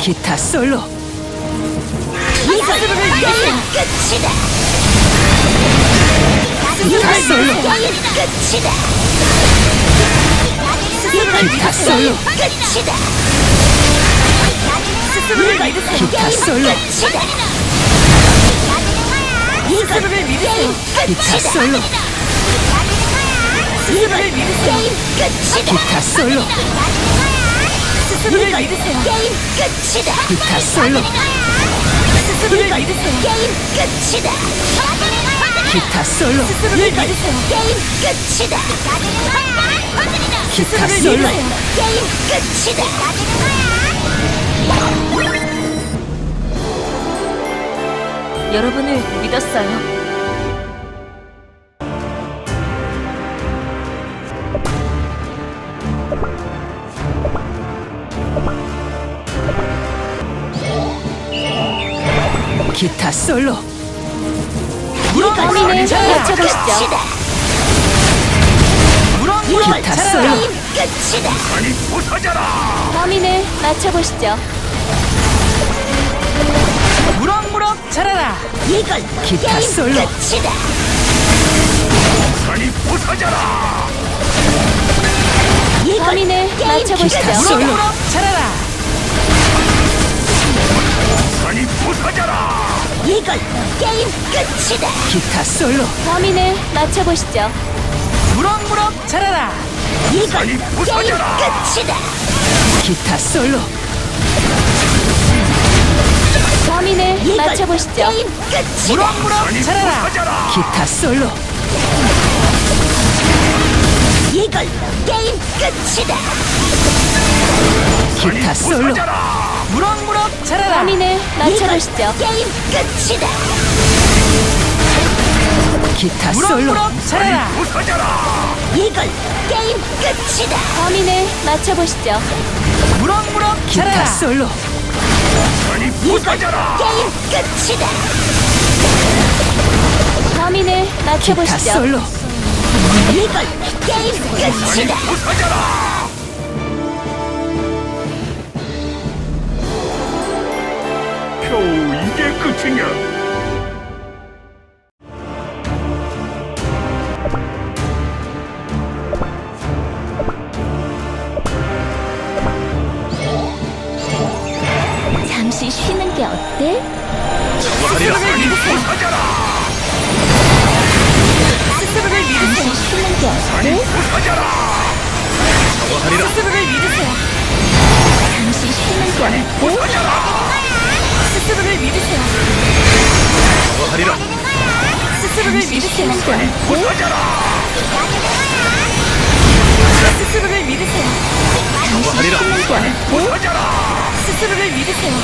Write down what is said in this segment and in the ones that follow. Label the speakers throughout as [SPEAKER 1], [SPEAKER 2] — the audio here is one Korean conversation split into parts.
[SPEAKER 1] 기타 솔로.
[SPEAKER 2] 이것으로 게임 끝이다.
[SPEAKER 1] 기타 솔로.
[SPEAKER 2] 끝이다.
[SPEAKER 1] 기타 솔로.
[SPEAKER 2] 끝이다.
[SPEAKER 1] 기타 솔로.
[SPEAKER 2] 이것을 믿으세요.
[SPEAKER 1] 기타 솔로.
[SPEAKER 2] 스스로를 믿으세요. 게임 끝이다.
[SPEAKER 1] 기타 솔로.
[SPEAKER 2] 스스로를 믿으세요. 게임 끝이다.
[SPEAKER 1] 기타 솔로.
[SPEAKER 2] 스스로를 믿으세요. 게임 끝이다.
[SPEAKER 1] 기타 솔로.
[SPEAKER 2] 스스로를 믿으세요. 게임 끝이다.
[SPEAKER 1] 기타
[SPEAKER 2] 스스로를
[SPEAKER 1] 솔로.
[SPEAKER 2] 믿으세요. 게임 끝이다.
[SPEAKER 3] 여러분을 믿었어요.
[SPEAKER 1] 기타 솔로.
[SPEAKER 3] 범인을 맞춰보시죠.
[SPEAKER 1] 기타 솔로.
[SPEAKER 2] 끝이다.
[SPEAKER 3] 범인을 맞춰보시죠.
[SPEAKER 1] 무럭무럭 자라라.
[SPEAKER 2] 이걸
[SPEAKER 1] 기타
[SPEAKER 2] 게임
[SPEAKER 1] 솔로.
[SPEAKER 2] 끝이다. 이걸
[SPEAKER 3] 범인을
[SPEAKER 2] 게임
[SPEAKER 3] 맞춰보시죠.
[SPEAKER 1] 기타 솔로. 자라라.
[SPEAKER 2] 이걸 게임 끝이다.
[SPEAKER 1] 기타 솔로.
[SPEAKER 3] 범인을 맞춰보시죠.
[SPEAKER 1] 무럭무럭 자라라.
[SPEAKER 2] 이걸 게임 끝이다.
[SPEAKER 1] 기타 솔로.
[SPEAKER 3] 범인을
[SPEAKER 2] 이걸
[SPEAKER 3] 맞춰보시죠.
[SPEAKER 2] 게임 끝이다.
[SPEAKER 1] 무럭무럭 자라라. 기타 솔로.
[SPEAKER 2] 이걸 게임 끝이다.
[SPEAKER 1] 기타 솔로. 무럭무럭 자라라.
[SPEAKER 3] 범인을 맞춰보시죠.
[SPEAKER 2] 게임 끝이다.
[SPEAKER 1] 기타 솔로. 자라라.
[SPEAKER 2] 이걸 게임 끝이다.
[SPEAKER 3] 범인을 맞춰보시죠.
[SPEAKER 1] 무럭무럭 기타 솔로.
[SPEAKER 2] 이걸 게임 끝이다.
[SPEAKER 3] 범인을
[SPEAKER 1] 기타
[SPEAKER 3] 맞춰보시죠.
[SPEAKER 1] 솔로.
[SPEAKER 2] 이걸 게임 끝이다.
[SPEAKER 4] 겨우 이게 끝이냐?
[SPEAKER 3] 잠시 쉬는 게 어때?
[SPEAKER 2] 스스로를 믿으세요. 스스로를 믿으세요.
[SPEAKER 3] 잠시 쉬는 게 어때?
[SPEAKER 2] 스스로를 믿으세요.
[SPEAKER 3] 잠시 쉬는 게 어때?
[SPEAKER 2] 스스로를 믿으세요. 스스로를 믿으세요.
[SPEAKER 3] 쉬는 게 어때?
[SPEAKER 2] 스스로를 믿으세요.
[SPEAKER 3] 잠시 쉬는 게 어때?
[SPEAKER 2] 스스로를 믿으세요.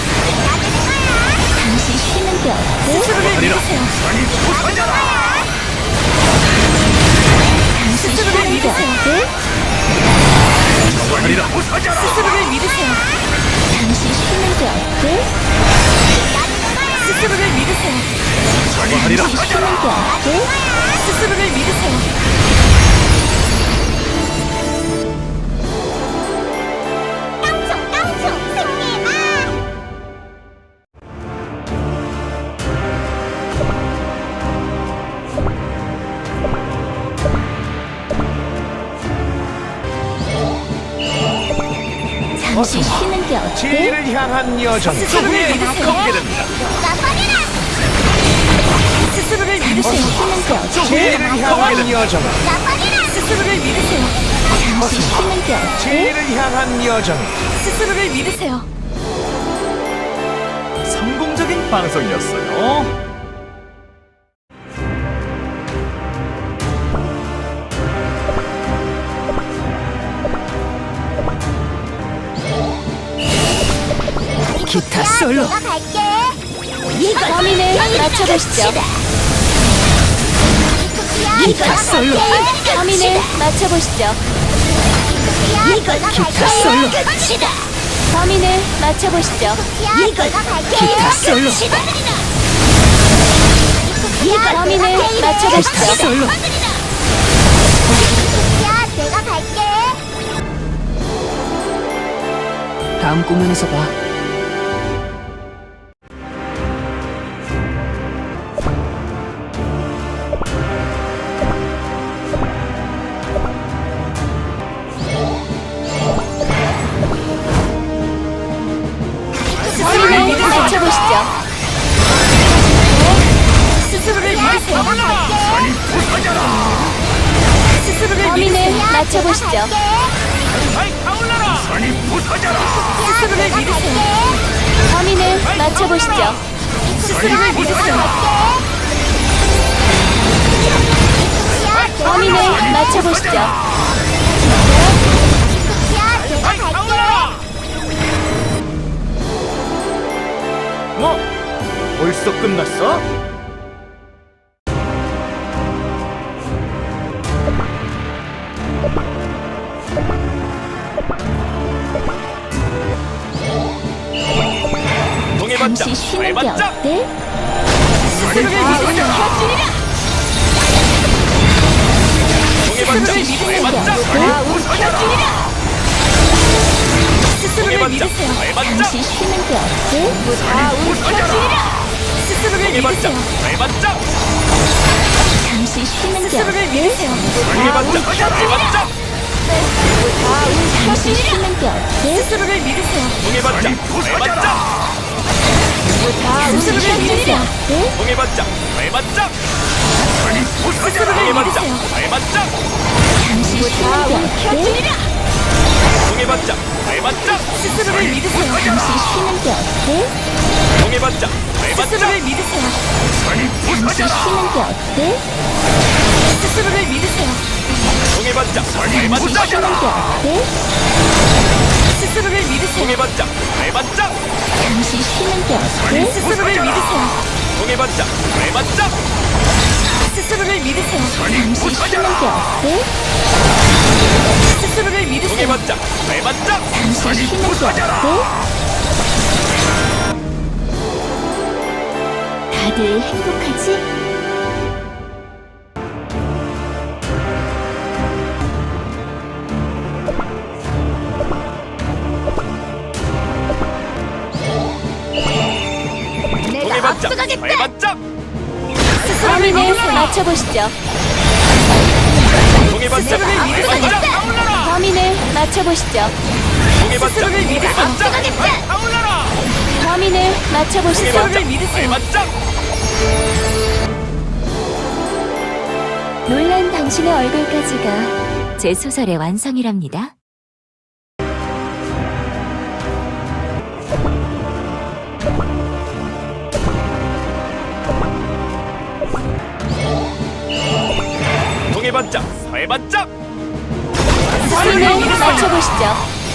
[SPEAKER 3] 잠시 쉬는 게 어때?
[SPEAKER 2] 스스로를 믿으세요.
[SPEAKER 3] 잠시
[SPEAKER 2] 스스로를
[SPEAKER 3] 쉬는 게
[SPEAKER 2] 믿으세요.
[SPEAKER 3] 어때?
[SPEAKER 2] 스스로를 믿으세요.
[SPEAKER 3] 잠시 쉬는 게 어때?
[SPEAKER 2] 스스로를 믿으세요.
[SPEAKER 3] 잠시 쉬는 게 어때?
[SPEAKER 2] 스스로를 믿으세요. 깡총 승리해봐.
[SPEAKER 3] 잠시 쉬는 게 어때?
[SPEAKER 4] 지혜를 향한 여정.
[SPEAKER 2] 스스로를 믿으세요. 스스로를
[SPEAKER 3] 잠시
[SPEAKER 2] 믿으세요.
[SPEAKER 3] 쉬는 게 어때?
[SPEAKER 4] 지혜를 향한 여정.
[SPEAKER 2] 스스로를 믿으세요.
[SPEAKER 3] 잠시 쉬는 게 어때?
[SPEAKER 4] 지혜를 향한 여정.
[SPEAKER 2] 스스로를 믿으세요.
[SPEAKER 4] 성공적인 방송이었어요.
[SPEAKER 1] 기타 솔로.
[SPEAKER 3] 범인을 맞춰보시죠.
[SPEAKER 1] 기타 솔로.
[SPEAKER 3] 범인을 맞춰보시죠.
[SPEAKER 1] 기타 솔로.
[SPEAKER 3] 범인을 맞춰보시죠.
[SPEAKER 1] 기타 솔로.
[SPEAKER 3] 범인을
[SPEAKER 1] 기타
[SPEAKER 3] 맞춰보시죠.
[SPEAKER 1] 솔로.
[SPEAKER 2] 내가 갈게.
[SPEAKER 1] 다음 공연에서 봐.
[SPEAKER 2] 스스로를
[SPEAKER 3] 범인을
[SPEAKER 2] 믿으세요.
[SPEAKER 3] 맞춰보시죠.
[SPEAKER 4] 아이 타올라라 산이 부서져라
[SPEAKER 2] 스스로를 믿으세요.
[SPEAKER 3] 범인을 맞춰보시죠.
[SPEAKER 2] 스스로를 믿으세요.
[SPEAKER 3] 범인을 맞춰보시죠.
[SPEAKER 4] 아이 타올라라 뭐? 벌써 끝났어? 동해반장
[SPEAKER 3] 잠시 쉬는 게
[SPEAKER 4] 해반장
[SPEAKER 3] 어때?
[SPEAKER 2] 스스로를 믿으세요.
[SPEAKER 4] 동해반장 해반장
[SPEAKER 2] 스스로를
[SPEAKER 4] 동해반장
[SPEAKER 2] 믿으세요.
[SPEAKER 4] 해반장
[SPEAKER 3] 잠시 쉬는 게 어때?
[SPEAKER 2] 스스로를
[SPEAKER 4] 동해반장
[SPEAKER 2] 믿으세요.
[SPEAKER 4] 해반장
[SPEAKER 3] 잠시 쉬는 게
[SPEAKER 2] 스스로를
[SPEAKER 3] 어때?
[SPEAKER 2] 믿으세요.
[SPEAKER 4] 동해반장 해반장
[SPEAKER 3] 잠시 쉬는 게 어때?
[SPEAKER 2] 스스로를 믿으세요.
[SPEAKER 4] 동해반장 해반장
[SPEAKER 3] 잠시
[SPEAKER 2] 스스로를
[SPEAKER 3] 쉬는 게
[SPEAKER 2] 믿으세요.
[SPEAKER 3] 어때?
[SPEAKER 4] 동해반장 해반장
[SPEAKER 2] 스스로를
[SPEAKER 4] 동해반장
[SPEAKER 2] 믿으세요.
[SPEAKER 4] 해반장
[SPEAKER 3] 잠시 쉬는 게 어때?
[SPEAKER 4] 동해반장 해반장
[SPEAKER 2] 스스로를 믿으세요.
[SPEAKER 3] 잠시 쉬는 게 어때?
[SPEAKER 4] 동해반장 해반장
[SPEAKER 2] 스스로를 믿으세요.
[SPEAKER 3] 잠시 쉬는 게 어때?
[SPEAKER 2] 스스로를 믿으세요.
[SPEAKER 4] 동해반장
[SPEAKER 3] 잠시
[SPEAKER 4] 해반장
[SPEAKER 3] 쉬는 게 어때?
[SPEAKER 2] 스스로를 믿으세요.
[SPEAKER 4] 동해반장 해반장
[SPEAKER 3] 잠시 쉬는 게 어때?
[SPEAKER 2] 스스로를 믿으세요.
[SPEAKER 4] 동해반장 해반장
[SPEAKER 2] 스스로를 믿으세요.
[SPEAKER 3] 잠시 쉬는 게 어때?
[SPEAKER 2] 스스로를 믿으세요.
[SPEAKER 4] 동해반장 해반장
[SPEAKER 3] 잠시 쉬는 게 어때? 다들 행복하지?
[SPEAKER 4] 동해반장 해반장
[SPEAKER 2] 스스로를
[SPEAKER 3] 범인을
[SPEAKER 2] 믿으세요.
[SPEAKER 3] 맞춰보시죠.
[SPEAKER 4] 동해반장
[SPEAKER 2] 스스로를 믿으세요.
[SPEAKER 4] 해반장
[SPEAKER 3] 범인을 맞춰보시죠.
[SPEAKER 4] 동해반장
[SPEAKER 2] 스스로를 믿으세요.
[SPEAKER 4] 해반장 타올라라
[SPEAKER 3] 범인을 맞춰보시죠.
[SPEAKER 2] 스스로를 믿으세요.
[SPEAKER 4] 해반장
[SPEAKER 3] 놀란 당신의 얼굴까지가 제 소설의 완성이랍니다.
[SPEAKER 4] 동해반장 해반장
[SPEAKER 3] 범인을 맞춰보시죠.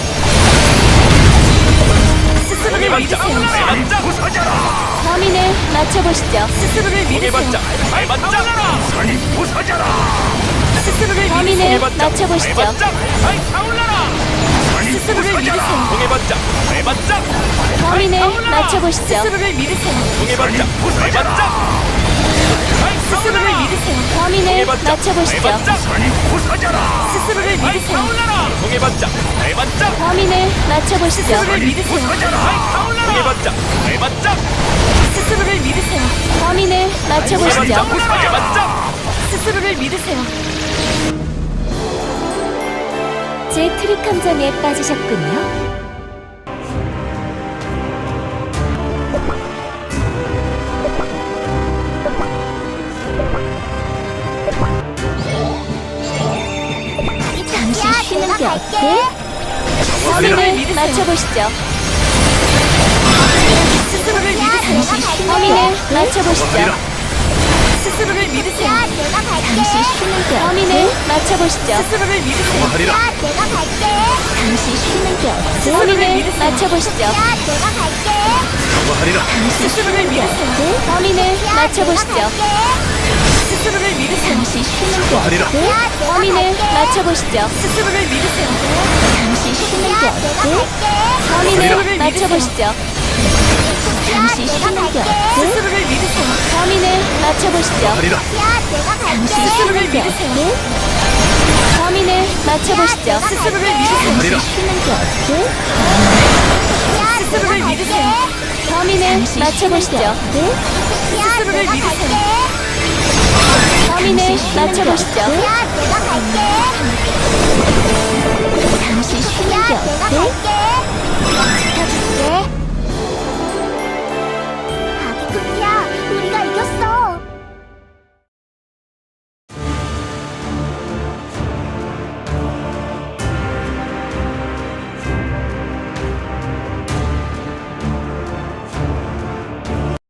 [SPEAKER 2] 스스로를
[SPEAKER 4] 동해반장
[SPEAKER 2] 믿으세요.
[SPEAKER 4] 해반장
[SPEAKER 3] 범인을 맞춰보시죠.
[SPEAKER 2] 스스로를 믿으세요.
[SPEAKER 4] 동해반장 해반장 산이 부서져라
[SPEAKER 2] 스스로를
[SPEAKER 3] 범인을
[SPEAKER 2] 믿으세요.
[SPEAKER 3] 맞춰보시죠.
[SPEAKER 4] 해반장 아이 타올라라
[SPEAKER 2] 스스로를 믿으세요.
[SPEAKER 4] 동해반장 해반장
[SPEAKER 3] 범인을 맞춰보시죠.
[SPEAKER 2] 스스로를 믿으세요.
[SPEAKER 4] 동해반장 해반장
[SPEAKER 2] 스스로를 믿으세요.
[SPEAKER 3] 범인을 맞춰보시죠.
[SPEAKER 4] 해반장 산이 부서져라
[SPEAKER 2] 스스로를
[SPEAKER 4] 아이
[SPEAKER 2] 믿으세요.
[SPEAKER 4] 타올라라 동해반장 해반장
[SPEAKER 3] 범인을 맞춰보시죠.
[SPEAKER 2] 스스로를 믿으세요.
[SPEAKER 4] 동해반장 해반장
[SPEAKER 2] 스스로를 믿으세요.
[SPEAKER 3] 범인을 맞춰보시죠.
[SPEAKER 4] 해반장
[SPEAKER 2] 스스로를 믿으세요.
[SPEAKER 3] 제 트릭 함정에 빠지셨군요. 잠시 쉬는 게 어때? 범인을 맞춰보시죠.
[SPEAKER 2] 스스로를 믿으세요.
[SPEAKER 3] 범인을 맞춰보시죠.
[SPEAKER 2] 스스로를 믿으세요.
[SPEAKER 3] 잠시 쉬는 게 범인을 맞춰보시죠.
[SPEAKER 2] 스스로를 믿으세요.
[SPEAKER 3] 잠시 쉬는 게 어때?
[SPEAKER 2] 범인을
[SPEAKER 3] 범인을 맞춰보시죠.
[SPEAKER 2] 스스로를 믿으세요.
[SPEAKER 3] 범인을 맞춰보시죠.
[SPEAKER 2] 스스로를 믿으세요.
[SPEAKER 3] 잠시 쉬는 게 어때? 범인을 맞춰보시죠.
[SPEAKER 2] 스스로를 믿으세요.
[SPEAKER 3] 잠시 쉬는 게 어때? 범인을 맞춰보시죠. 잠시 쉬는 게 어때?
[SPEAKER 2] 스스로를 믿으세요.
[SPEAKER 3] 범인을 맞춰보시죠. 잠시 쉬는 게 어때? 범인을 맞춰보시죠.
[SPEAKER 2] 스스로를 믿으세요.
[SPEAKER 3] 잠시 쉬는 게 어때?
[SPEAKER 2] 스스로를 믿으세요.
[SPEAKER 3] 범인을 맞춰보시죠.
[SPEAKER 2] 스스로를 믿으세요.
[SPEAKER 3] 범인을 맞춰보시죠. 잠시 쉬는 게 어때?